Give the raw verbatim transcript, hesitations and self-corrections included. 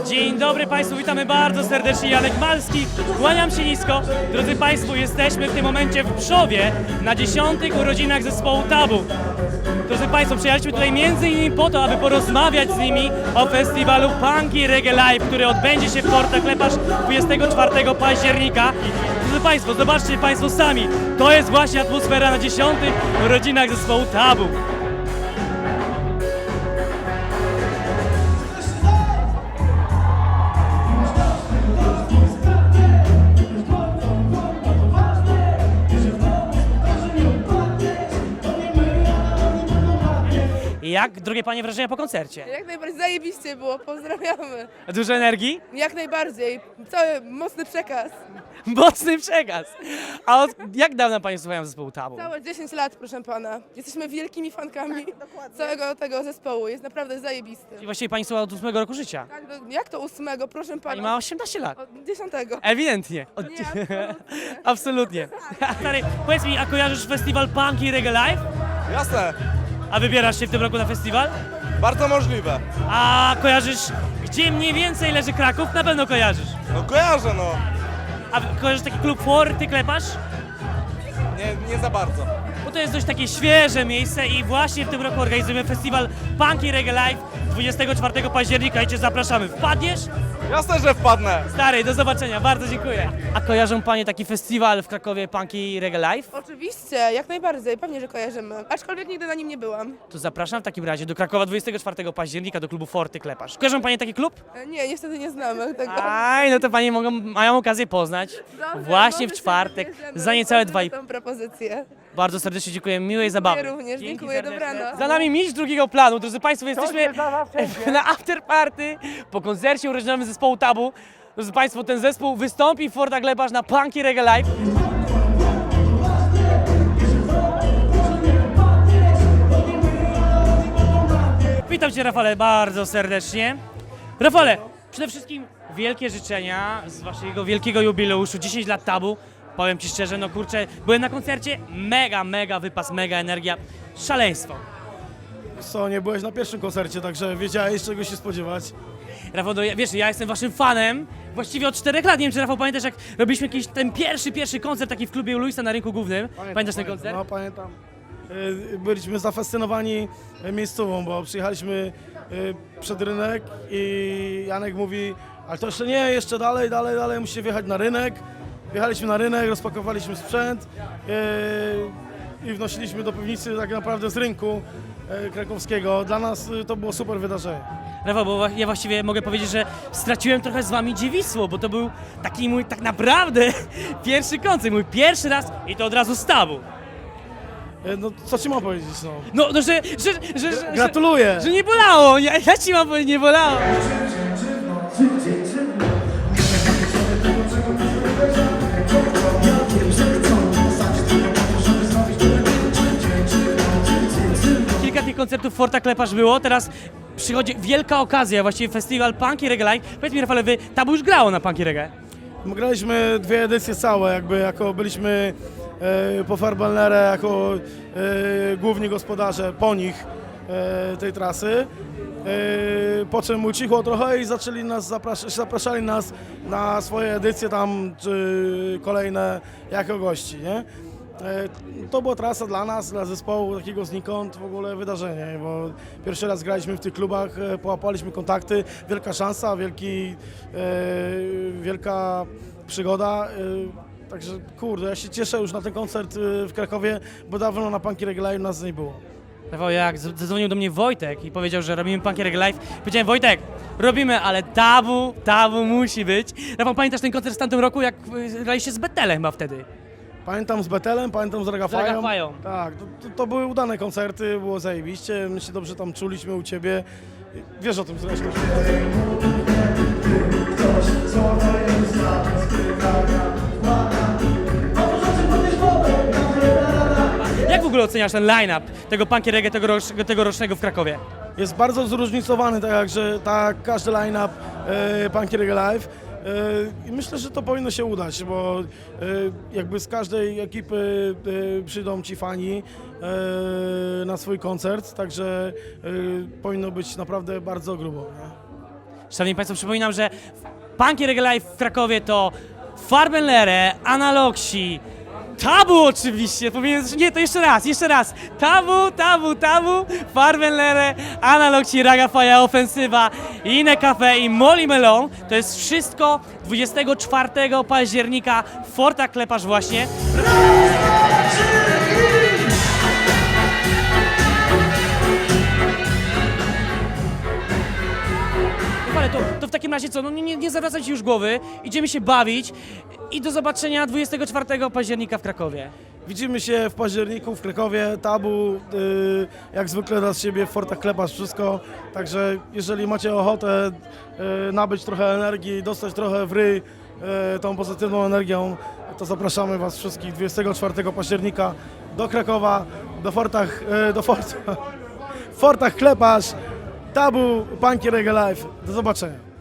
Dzień dobry Państwu, witamy bardzo serdecznie, Janek Malski, kłaniam się nisko. Drodzy Państwo, jesteśmy w tym momencie w Przowie na dziesiątych urodzinach zespołu Tabu. Drodzy Państwo, przyjechaliśmy tutaj między innymi po to, aby porozmawiać z nimi o festiwalu Punky Reggae Live, który odbędzie się w Fortach Lepasz dwudziestego czwartego października. Drodzy Państwo, zobaczcie Państwo sami, to jest właśnie atmosfera na dziesiątych urodzinach zespołu Tabu. Jak, drogie panie, wrażenia po koncercie? Jak najbardziej zajebiście było, pozdrawiamy. Dużo energii? Jak najbardziej, cały mocny przekaz. Mocny przekaz. A od, jak dawno panie słuchają zespołu Tabu? Całe dziesięć lat, proszę pana. Jesteśmy wielkimi fankami całego tego zespołu, jest naprawdę zajebisty. I właściwie pani słucha od ósmego roku życia. Tak, no, jak to ósmego, proszę pana? Pani ma osiemnaście lat. Od dziesiątego. Ewidentnie. Od... Nie, absolutnie. Absolutnie. Stary, powiedz mi, a kojarzysz festiwal Punky Reggae Live? Jasne, A wybierasz się w tym roku na festiwal? bardzo możliwe. A kojarzysz, gdzie mniej więcej leży Kraków? Na pewno kojarzysz. No kojarzę, no. A kojarzysz taki klub Forty Klepasz? Nie, nie za bardzo. Bo to jest dość takie świeże miejsce i właśnie w tym roku organizujemy festiwal Punky Reggae Live dwudziestego czwartego października i cię zapraszamy. Wpadniesz? Jasne, że wpadnę. Stary, do zobaczenia, bardzo dziękuję. A kojarzą panie taki festiwal w Krakowie Punky Reggae Live? Oczywiście, jak najbardziej, pewnie, że kojarzymy. Aczkolwiek nigdy na nim nie byłam. To zapraszam w takim razie do Krakowa dwudziestego czwartego października do klubu Forty Klepasz. Kojarzą panie taki klub? E, Nie, niestety nie znamy tego. Aj, no to panie mogą, mają okazję poznać Dobrze, właśnie w może się czwartek wybierzemy, za niecałe dwa i rozważymy tą propozycję. Bardzo serdecznie dziękuję, miłej zabawy. również, Dzięki dziękuję, serdecznie. dobranoc. Za nami mistrz drugiego planu, drodzy Państwo, jesteśmy na afterparty po koncercie urodzinowym zespołu Tabu. Drodzy Państwo, ten zespół wystąpi w Fortach Lepasz na Punky Reggae Live. Witam Cię, Rafale, bardzo serdecznie. Rafale, przede wszystkim wielkie życzenia z Waszego wielkiego jubileuszu, dziesięć lat Tabu. Powiem Ci szczerze, no kurczę, byłem na koncercie, mega, mega wypas, mega energia, szaleństwo. Co, nie byłeś na pierwszym koncercie, także wiedziałeś, czego się spodziewać. Rafał, no, ja- wiesz, ja jestem Waszym fanem właściwie od czterech lat. Nie wiem, czy Rafał pamiętasz, jak robiliśmy jakiś ten pierwszy, pierwszy koncert taki w klubie u Luisa na Rynku Głównym. Pamiętasz ten koncert? No, pamiętam. Y, Byliśmy zafascynowani y, miejscową, bo przyjechaliśmy y, przed rynek i Janek mówi, ale to jeszcze nie, jeszcze dalej, dalej, dalej, musicie wjechać na rynek. Wjechaliśmy na rynek, rozpakowaliśmy sprzęt y, i wnosiliśmy do piwnicy tak naprawdę z rynku y, krakowskiego. Dla nas y, to było super wydarzenie. Rafał, bo ja właściwie mogę powiedzieć, że straciłem trochę z Wami dziewictwo, bo to był taki mój tak naprawdę pierwszy koncert, mój pierwszy raz i to od razu z Tabu. Y, No co ci mam powiedzieć, no. No, no że, że, że, że, Gratuluję! że, że nie bolało, ja, ja Ci mam powiedzieć, nie bolało. Kilka tych koncertów w Fortach Lepasz było, teraz przychodzi wielka okazja, właściwie festiwal Punky Reggae Live. Powiedz mi, Rafale, Wy Tabu już grało na Punky Reggae? My graliśmy dwie edycje całe, jakby jako byliśmy e, po Farbalnerę jako e, główni gospodarze po nich e, tej trasy. E, po czym ucichło trochę i zaczęli nas zaprasz zapraszali nas na swoje edycje tam czy kolejne jako gości, nie? E, To była trasa dla nas, dla zespołu takiego znikąd w ogóle wydarzenie, bo pierwszy raz graliśmy w tych klubach, e, połapaliśmy kontakty, wielka szansa, wielki, e, wielka przygoda. e, Także kurde, ja się cieszę już na ten koncert e, w Krakowie, bo dawno na Punky Reggae Live nas nie było. Rafał, jak z- zadzwonił do mnie Wojtek i powiedział, że robimy Punky Reggae Live, powiedziałem, Wojtek, robimy, ale Tabu, Tabu musi być. Rafał, pamiętasz ten koncert w tamtym roku, jak y, graliście z Betelem chyba wtedy? Pamiętam z Betelem, pamiętam z Ragafają. Z Ragafają. Tak, to, to, to były udane koncerty, było zajebiście, my się dobrze tam czuliśmy u Ciebie. Wiesz o tym zresztą. Jak w ogóle oceniasz ten line-up tego Punky Reggae tegoroc tegorocznego w Krakowie? Jest bardzo zróżnicowany, tak jak, że tak każdy line-up e, Punky Reggae Live. E, I myślę, że to powinno się udać, bo e, jakby z każdej ekipy e, przyjdą ci fani e, na swój koncert, także e, powinno być naprawdę bardzo grubo. Nie? Szanowni Państwo, przypominam, że Punky Reggae Live w Krakowie to Farbenlere, Analoxi, Tabu oczywiście, powinien, nie, to jeszcze raz, jeszcze raz. Tabu, Tabu, Tabu, Farbenlere, Analoxi, Ragafaja, Ofensywa, Inne Cafe i Molly Melon. To jest wszystko dwudziestego czwartego października w Fortach Klepasz właśnie. Ale to, to w takim razie co, no nie, nie zawracać już głowy, idziemy się bawić i do zobaczenia dwudziestego czwartego października w Krakowie. Widzimy się w październiku w Krakowie, Tabu, y, jak zwykle da z siebie w Fortach Klepasz wszystko, także jeżeli macie ochotę y, nabyć trochę energii, dostać trochę w ryj y, tą pozytywną energią, to zapraszamy Was wszystkich dwudziestego czwartego października do Krakowa, do Fortach, y, do Fort, w Fortach Klepasz, Tabu, Punky Reggae Live. Do zobaczenia.